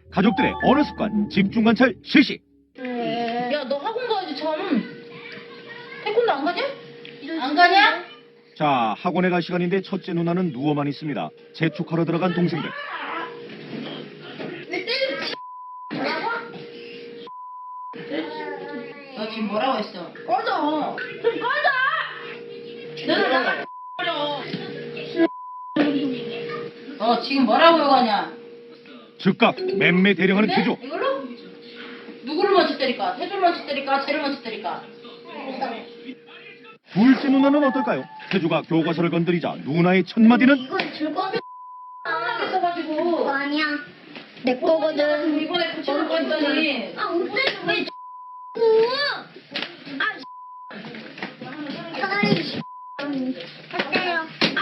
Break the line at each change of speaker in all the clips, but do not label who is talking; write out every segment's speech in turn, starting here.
가족들의 언어 습관 집중 관찰 실시.
야, 너 학원 가야지 참. 태권도 안 가냐? 안 가냐?
자, 학원에 갈 시간인데 첫째 누나는 누워만 있습니다. 재촉하러 들어간 동생들.
왜 때리지? 뭐라고? 너 지금 뭐라고 했어? 꺼져. 좀 꺼져. 너는 나가 버려. 너 지금 뭐라고 욕하냐?
즉각 맴매 대령하는 태조.
이걸로? 누구를 먼저 때릴까? 태조를 먼저 때릴까? 쟤를 먼저 때릴까?
둘째 누나는 어떨까요? 태조가 교과서를 건드리자 누나의 첫 마디는
이건 줄 건데.
안 써가지고.
아니야. 내 거거든.
이번에 붙여놓고 했더니.
아, 어때? 왜 아이, 어때요?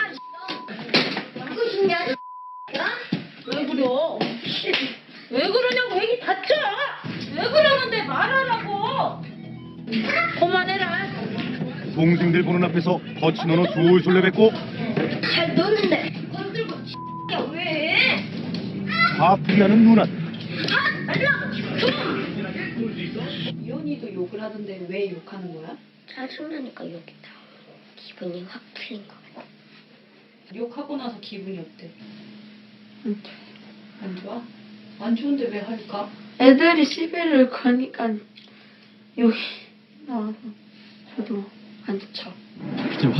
그거 진짜
왜 그려? 왜 그러냐고 애기 다쳐. 왜 그러는데 말하라고. 그만해라.
동생들 보는 앞에서 거친 언어 졸졸 내뱉고
잘 노는데.
건들고 야 왜?
화풀이 하는 누나.
이현이도 욕을 하던데 왜 욕하는 거야?
짜증나니까 여기다. 기분이 확 풀린 거 같아.
욕하고 나서 기분이 어때? 안 좋아? 안 좋은데 왜 할까?
애들이 시비를 거니까 여기 나와서 저도 안 좋죠.